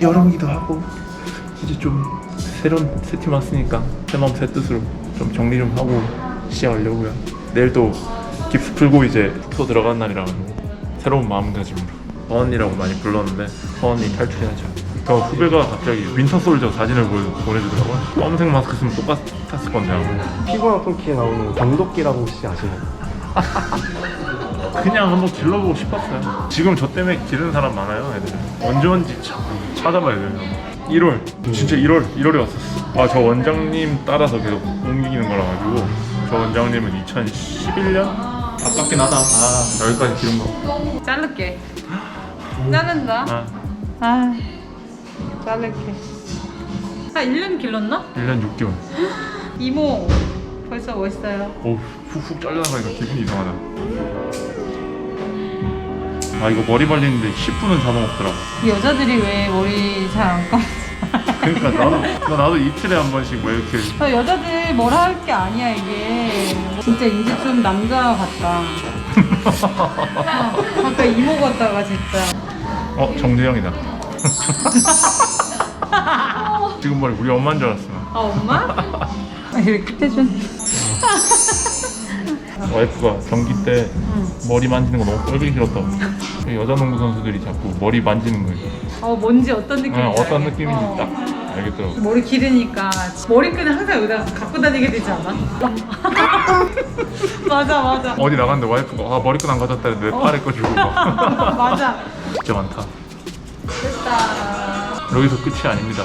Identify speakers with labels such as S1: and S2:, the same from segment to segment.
S1: 여름이기도 하고 이제 좀 새로운 세팀 왔으니까 새 마음 새 뜻으로 좀 정리 좀 하고 시작하려고요. 내일 또 깁스 풀고 이제 숙소 들어가는 날이라가지고 새로운 마음가짐으로 허언니라고 많이 불렀는데 허언니 탈출해야죠. 저 후배가 갑자기 윈터솔저 사진을 보내주더라고요. 검은색 마스크 쓰면 똑같았을 건데 아마.
S2: 피구왕 통키에 나오는 병도끼라고 혹시 아시나요?
S1: 그냥 한번 길러보고 싶었어요. 지금 저 때문에 기르는 사람 많아요, 애들. 언제 온지 찾아봐야 돼요. 1월, 진짜 1월에 왔었어. 아, 저 원장님 따라서 계속 옮기는 거라 가지고 저 원장님은 2011년? 아깝긴 하다. 아, 여기까지 기른 거.
S3: 자를게. 자른다.
S1: 아,
S3: 자를게. 한 1년 길렀나?
S1: 1년 6개월.
S3: 이모 벌써 멋있어요.
S1: 오, 훅훅 잘려나가니까 기분이 이상하다. 아, 이거 머리 말리는데 10분은 잡아먹더라.
S3: 여자들이 왜 머리 잘 안 감지?
S1: 그러니까 나도 이틀에 한 번씩 뭐 이렇게.
S3: 여자들 뭐라 할 게 아니야 이게. 진짜 이제 좀 남자 같다. 아까 이모 같다가 진짜.
S1: 정재영이다. 지금 머리 우리 엄마인 줄 알았어.
S3: 아 엄마? 이렇게 해준.
S1: 와이프가 경기 때 머리 만지는 거 너무 꼴보기 싫었다고. 여자 농구 선수들이 자꾸 머리 만지는 거예요.
S3: 뭔지 어떤 느낌인지.
S1: 어떤
S3: 알겠-
S1: 느낌인지 딱 알겠더라고.
S3: 머리 기르니까 머리끈을 항상 여기다 갖고 다니게 되지 않아? 맞아.
S1: 어디 나갔는데 와이프가 머리끈 안 가졌다 했는데 내 팔에 거 주고 막.
S3: 맞아.
S1: 진짜 많다.
S3: 됐다.
S1: 여기서 끝이 아닙니다.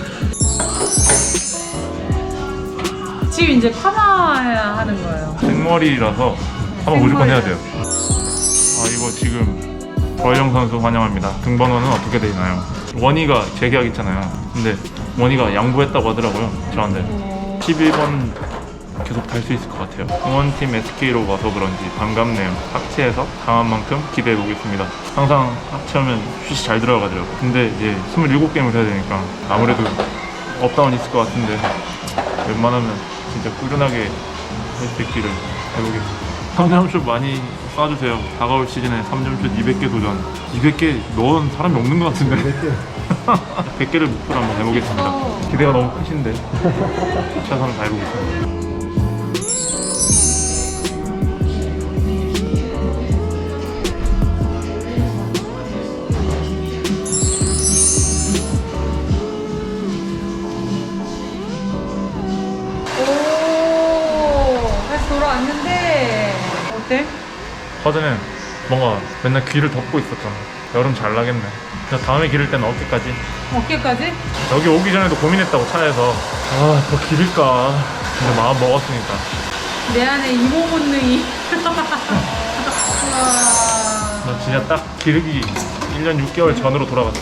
S3: 지금 이제 파마해야 하는 거예요.
S1: 생머리라서 한번 무조건 해야 돼요. 이거 지금 조혜정 선수 환영합니다. 등번호는 어떻게 되나요? 원희가 재계약했잖아요. 근데 원희가 양보했다고 하더라고요. 저한테 11번 계속 달 수 있을 것 같아요. 응원팀 SK로 와서 그런지 반갑네요. 학체에서 강한 만큼 기대해 보겠습니다. 항상 학체하면 슛이 잘 들어가더라고요. 근데 이제 27게임을 해야 되니까 아무래도 업다운 있을 것 같은데 웬만하면 진짜 꾸준하게 할 수 있기를 해보겠습니다. 3점슛 많이 쏴주세요. 다가올 시즌에 3점슛 200개 도전. 200개 넣은 사람이 없는 것 같은데 100개를 목표로 한번 해보겠습니다. 기대가 너무 크신데 최선을 다해보겠습니다.
S3: 다시 돌아왔는데 어때?
S1: 허전해. 뭔가 맨날 귀를 덮고 있었잖아. 여름 잘 나겠네. 그래서 다음에 기를 때는 어깨까지.
S3: 어깨까지?
S1: 여기 오기 전에도 고민했다고 차에서 더 기를까. 근데 마음 먹었으니까.
S3: 내 안에 이모 본능이.
S1: 나 진짜 딱 기르기 1년 6개월 전으로 돌아갔어.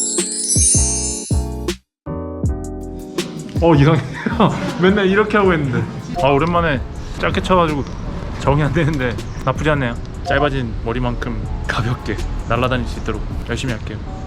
S1: 이상해. 맨날 이렇게 하고 했는데. 오랜만에 짧게 쳐가지고 적응이 안 되는데 나쁘지 않네요. 짧아진 머리만큼 가볍게 날아다닐 수 있도록 열심히 할게요.